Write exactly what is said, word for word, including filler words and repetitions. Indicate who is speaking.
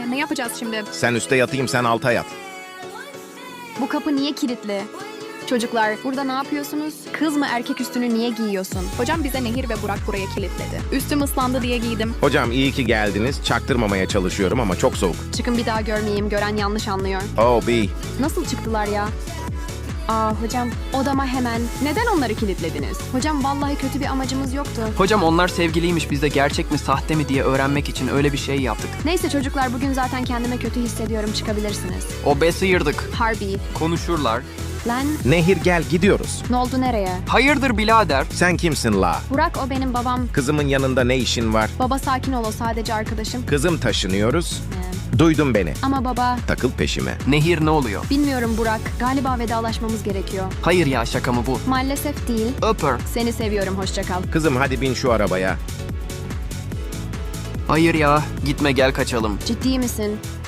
Speaker 1: ne yapacağız şimdi?
Speaker 2: Sen üstte yatayım, sen alta yat.
Speaker 1: Bu kapı niye kilitli? Çocuklar, burada ne yapıyorsunuz? Kız mı erkek üstünü niye giyiyorsun? Hocam bize Nehir ve Burak buraya kilitledi. Üstüm ıslandı diye giydim.
Speaker 2: Hocam iyi ki geldiniz. Çaktırmamaya çalışıyorum ama çok soğuk.
Speaker 1: Çıkın bir daha görmeyeyim, gören yanlış anlıyor.
Speaker 2: Oh B.
Speaker 1: Nasıl çıktılar ya? Aa hocam, odama hemen. Neden onları kilitlediniz? Hocam vallahi kötü bir amacımız yoktu.
Speaker 3: Hocam onlar sevgiliymiş, biz de gerçek mi sahte mi diye öğrenmek için öyle bir şey yaptık.
Speaker 1: Neyse çocuklar, bugün zaten kendime kötü hissediyorum, çıkabilirsiniz.
Speaker 3: O be sıyırdık.
Speaker 1: Harbi.
Speaker 3: Konuşurlar.
Speaker 1: Lan,
Speaker 2: Nehir gel, gidiyoruz.
Speaker 1: ne oldu, nereye?
Speaker 3: Hayırdır birader?
Speaker 2: Sen kimsin la?
Speaker 1: Burak, o benim babam.
Speaker 2: Kızımın yanında ne işin var?
Speaker 1: Baba sakin ol, o sadece arkadaşım.
Speaker 2: Kızım taşınıyoruz.
Speaker 1: Ee,
Speaker 2: Duydun beni.
Speaker 1: Ama baba,
Speaker 2: Takıl peşime.
Speaker 3: Nehir ne oluyor?
Speaker 1: bilmiyorum Burak. Galiba vedalaşmamız gerekiyor.
Speaker 3: Hayır ya, şaka mı bu?
Speaker 1: Maalesef değil.
Speaker 3: Öper.
Speaker 1: Seni seviyorum, hoşça kal.
Speaker 2: Kızım hadi bin şu arabaya.
Speaker 3: Hayır ya, gitme gel kaçalım.
Speaker 1: Ciddi misin?